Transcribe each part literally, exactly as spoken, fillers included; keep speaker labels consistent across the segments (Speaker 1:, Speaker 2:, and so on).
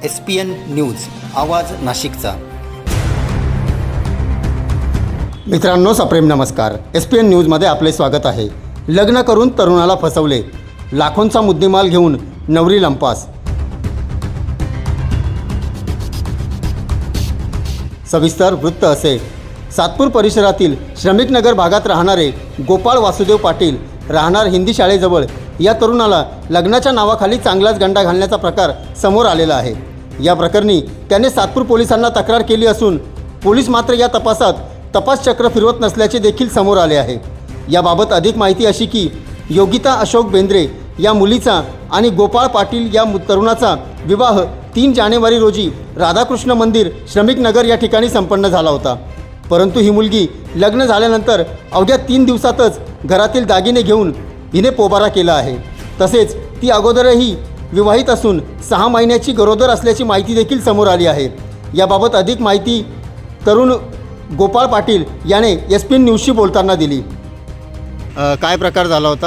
Speaker 1: S P N news आवाज नाशिकचा। मित्रांनो सप्रेम नमस्कार। एस पी एन न्यूजमध्ये आपले स्वागत आहे। लग्न करून तरुणाला फसवले, लाखोंचा मुद्देमाल घेऊन नवरी लंपास। सविस्तर वृत्त असे। सातपूर परिसरातील श्रमिक नगर भागात राहणारे गोपाळ वासुदेव पाटील राहणार हिंदी शाळेजवळ या तरुणाला लग्नाच्या नावाखाली चांगलाच गंडा घालण्याचा प्रकार समोर आलेला आहे। या प्रकरणी त्याने सातपूर पोलिसांना तक्रार केली असून पोलीस मात्र या तपासात तपास चक्र फिरवत नसल्याचे देखील समोर आले आहे। याबाबत अधिक माहिती अशी की योगिता अशोक बेंद्रे या मुलीचा आणि गोपाळ पाटील या तरुणाचा विवाह तीन जानेवारी रोजी राधाकृष्ण मंदिर श्रमिक नगर या ठिकाणी संपन्न झाला होता। परंतु ही मुलगी लग्न झाल्यानंतर अवघ्या तीन दिवसातच घरातील दागिने घेऊन हिने पोबारा केला आहे। तसेच ती अगोदरही विवाहित असून सहा महिन्याची गरोदर असल्याची माहिती देखील समोर आली आहे। याबाबत अधिक माहिती तरुण गोपाळ पाटील याने एस पी एन न्यूजशी बोलताना दिली। काय प्रकार झाला होता?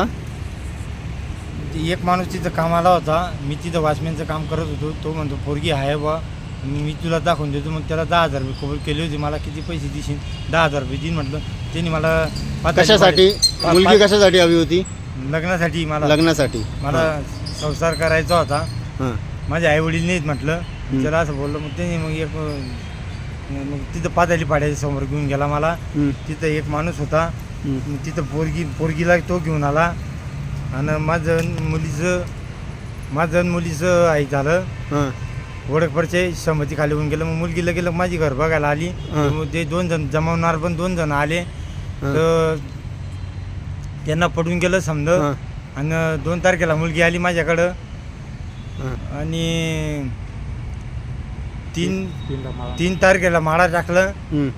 Speaker 2: एक माणूस तिथं कामाला होता, मी तिथं वॉचमॅनचं काम करत होतो। तो म्हणतो पोरगी आहे बा, मी तुला दाखवून देतो। मग त्याला दहा हजार रुपये कबूल केले होते। मला किती पैसे देशील? दहा हजार रुपये देईन म्हटलं। त्यांनी मला
Speaker 1: कशासाठी मुलगी कशासाठी हवी होती?
Speaker 2: लग्नासाठी। मला
Speaker 1: लग्नासाठी
Speaker 2: मला संसार करायचा होता।
Speaker 1: हां
Speaker 2: माझे आई वडील नाहीत म्हटलं, त्याला असं बोललं। मग त्यांनी मग एक मग तिथं पाताली पाड्याच्या समोर घेऊन गेला मला। तिथं एक माणूस होता, तिथं पोरगी पोरगीला तो घेऊन आला आणि माझं मुलीचं माझं मुलीचं आई झालं।
Speaker 1: हां
Speaker 2: ओळखपरचे संमती खाली होऊन गेलं। मग मुलगी लगेच माझी घर बघायला आली। मग ते दोन जण जमावणार पण दोन जण आले, तर त्यांना पडून गेलं समज। आणि दोन तारखेला मुलगी आली माझ्याकडं आणि तीन तीन तारखेला माळा टाकलं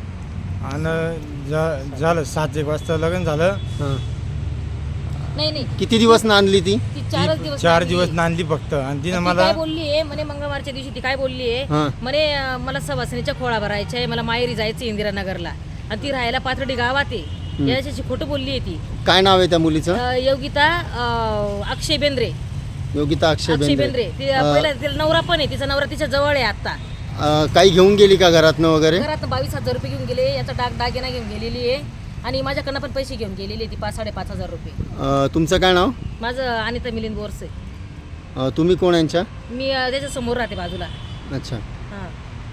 Speaker 2: आणि झालं सात एक वाजता लग्न झालं।
Speaker 3: नाही नाही
Speaker 1: किती दिवस नांदली ती?
Speaker 3: ती चारच दिवस
Speaker 2: चार दिवस नांदली फक्त। आणि तिने मला
Speaker 3: काय बोलली आहे म्हणे, मंगळवारच्या दिवशी ती काय बोलली आहे म्हणे, मला सवासणीच्या खोळा भरायच्या आहे, मला माहेरी जायचं इंदिरानगरला आणि ती राहायला पाथर्डी गावात आहे। याच्याशी खोटं बोलली आहे ती।
Speaker 1: काय नाव आहे त्या मुलीचं?
Speaker 3: योगिता अक्षय बेंद्रे।
Speaker 1: योगिता अक्षय
Speaker 3: अक्षय
Speaker 1: बेंद्रे।
Speaker 3: बेंद्रे ती पहिला तिला नवरा पण आहे, तिचा नवरा तिच्या जवळ आहे आता।
Speaker 1: काही घेऊन गेली का घरातनं वगैरे?
Speaker 3: घरात बावीस हजार रुपये घेऊन गेले, याचा डाग दागिना घेऊन गेलेली आहे आणि माझ्याकडनं पण पैसे घेऊन गेलेली आहे ती पाच साडेपाच हजार रुपये।
Speaker 1: तुमचं काय नाव?
Speaker 3: माझं अनिता मिलिंद बोरसे।
Speaker 1: तुम्ही कोण यांच्या?
Speaker 3: मी त्याच्या समोर राहते बाजूला।
Speaker 1: अच्छा,
Speaker 3: हां।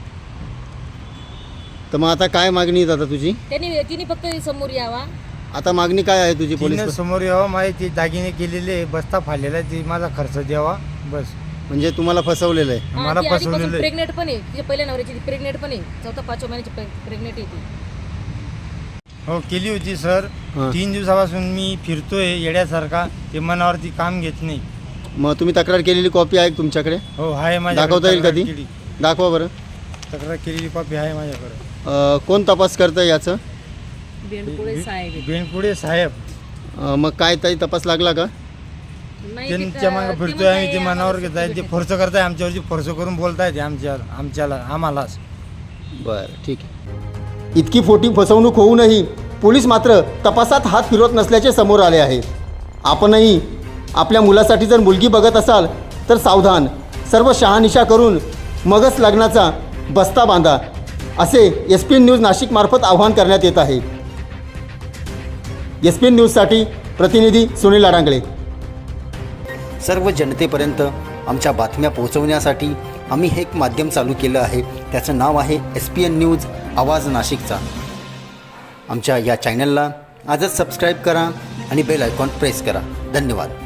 Speaker 1: तर मग आता काय मागणी आहे आता तुझी?
Speaker 3: त्यांनी तिने फक्त समोर यावा।
Speaker 1: आता मागणी काय आहे तुझी?
Speaker 2: तिने
Speaker 1: पोलीस
Speaker 2: समोर यावं, माझे ते दागिने केलेले बस्ता फाडलेला आहे, ते माझा खर्च द्यावा बस।
Speaker 1: म्हणजे तुम्हाला फसवलेलं आहे?
Speaker 2: मला फसवलेलं आहे।
Speaker 3: प्रेग्नेंट पण आहे, तिच्या पहिल्या नवऱ्याची प्रेग्नेंट पण आहे, चौथा पाचव्या महिन्याची प्रेग्नेंट आहे ती।
Speaker 2: हो केली होती सर। तीन दिवसापासून मी फिरतोय येड्यासारखा, ते मनावरती काम घेत नाही।
Speaker 1: मग तुम्ही तक्रार केलेली कॉपी आहे तुमच्याकडे?
Speaker 2: हो आहे माझ्याकडे।
Speaker 1: दाखवता येईल कधी? दाखवा बरं।
Speaker 2: तक्रार केलेली कॉपी आहे माझ्याकडे।
Speaker 1: कोण तपास करतं याचं?
Speaker 3: बेंडपुळे साहेब।
Speaker 2: बेंडपुळे साहेब।
Speaker 1: मग काय ताई तपास लागला का?
Speaker 2: त्यांच्या मागे फिरतोय आम्ही, ते मनावर घेत आहे, ते फोर्स करताय आमच्यावरची, फोर्स करून बोलताय ते आमच्या आमच्याला आम्हालाच।
Speaker 1: बरं ठीक आहे। इतकी खोटी फसवणूक होऊनही पोलीस मात्र तपासात हात फिरवत नसल्याचे समोर आले आहे। आपणही आपल्या मुलासाठी जर मुलगी बघत असाल तर सावधान, सर्व शहानिशा करून मगच लग्नाचा बस्ता बांधा, असे S P N news Nashik मार्फत आवाहन करण्यात येत आहे। एस पी एन न्यूजसाठी प्रतिनिधी सुनील अडांगळे। सर्व जनतेपर्यंत आमच्या बातम्या पोहोचवण्यासाठी आम्ही हे एक माध्यम चालू केलं आहे, त्याचं नाव आहे एस पी एन न्यूज आवाज नाशिकचा। आमच्या या चॅनलला आजच सबस्क्राईब करा आणि बेल आयकॉन प्रेस करा। धन्यवाद।